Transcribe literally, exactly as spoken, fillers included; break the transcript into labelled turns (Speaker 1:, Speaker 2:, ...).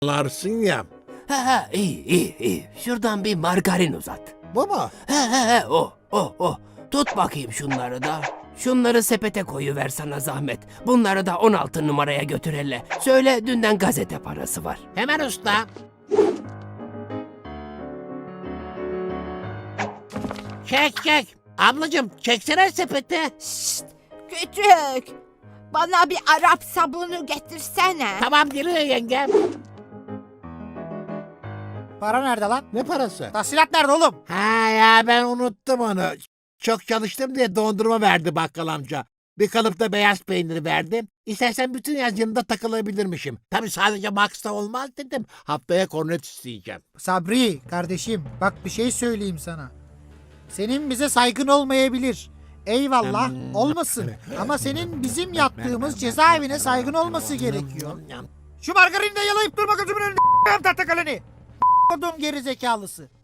Speaker 1: anlarsın ya.
Speaker 2: Ha ha iyi iyi iyi. Şuradan bir margarin uzat.
Speaker 1: Bu mu?
Speaker 2: He he he o o o. Tut bakayım şunları da. Şunları sepete koyuver sana zahmet. Bunları da on altı numaraya götür hele. Söyle dünden gazete parası var.
Speaker 1: Hemen usta. Çek çek. Ablacığım çeksene sepeti.
Speaker 3: Şşt, küçük. Bana bir Arap sabunu getirsene.
Speaker 1: Tamam geliyor yengem.
Speaker 4: Para nerede lan?
Speaker 1: Ne parası?
Speaker 4: Tahsilat nerede oğlum?
Speaker 1: Ha ya ben unuttum onu. Çok çalıştım diye dondurma verdi bakkal amca. Bir kalıpta beyaz peynir verdi. İstersen bütün yaz yanında takılabilirmişim. Tabii sadece Max'ta olmaz dedim. Haftaya kornet isteyeceğim.
Speaker 4: Sabri kardeşim bak bir şey söyleyeyim sana. Senin bize saygın olmayabilir. Eyvallah
Speaker 1: Hmm.
Speaker 4: olmasın. Ama senin bizim yattığımız cezaevine saygın olması gerekiyor. Şu margarini de yalayıp durma gözümün önünde tahta kaleni. Kodum geri zekalısı.